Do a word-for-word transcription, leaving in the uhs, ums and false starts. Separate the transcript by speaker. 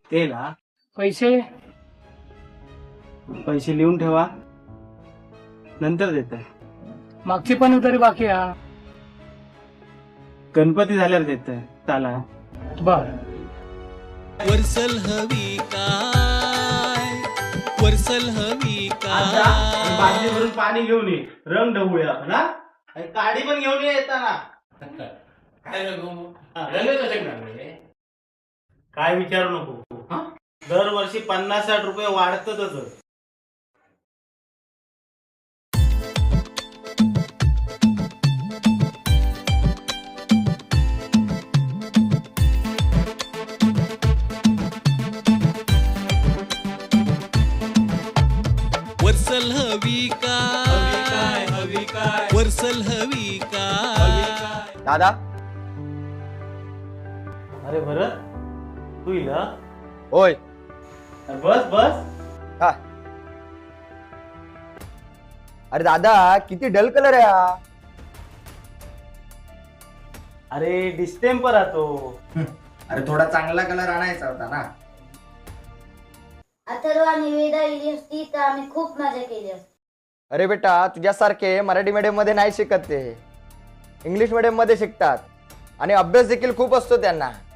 Speaker 1: ते ना
Speaker 2: पैसे
Speaker 1: पैसे लिहून ठेवा, नंतर देत.
Speaker 2: मागची पण उतारी बाकी हा.
Speaker 1: गणपती झाल्यावर देत. चला.
Speaker 2: बर.
Speaker 3: वर्सल हवी काय, वर्सल हवी
Speaker 1: आता बादली
Speaker 3: काय.
Speaker 1: भरून पाणी घेऊन ये, रंग ढवूया आपण हा. आणि काडी पण घेऊन ये येताना. काय विचारू नको, दरवर्षी पन्नास साठ रुपये वाढतच.
Speaker 3: वर्सल हवी काय,
Speaker 1: हवी काय
Speaker 3: वर्सल हवी काय.
Speaker 4: दादा.
Speaker 1: अरे भरत, तू इला
Speaker 4: होय.
Speaker 1: बस बस.
Speaker 4: हा. अरे दादा किती डल कलर आहे हा.
Speaker 1: अरे डिस्टेम्पर आतो.
Speaker 4: अरे थोडा चांगला कलर आणायचा होता ना.
Speaker 5: अथर्व आणि वेदा इली असती तर आम्ही खूप मजा केली असती.
Speaker 4: अरे बेटा तुझ्यासारखे मराठी मीडियम मध्ये नाही शिकत, ते इंग्लिश मीडियम मध्ये शिकतात आणि अभ्यास देखील खूप असतो त्यांना.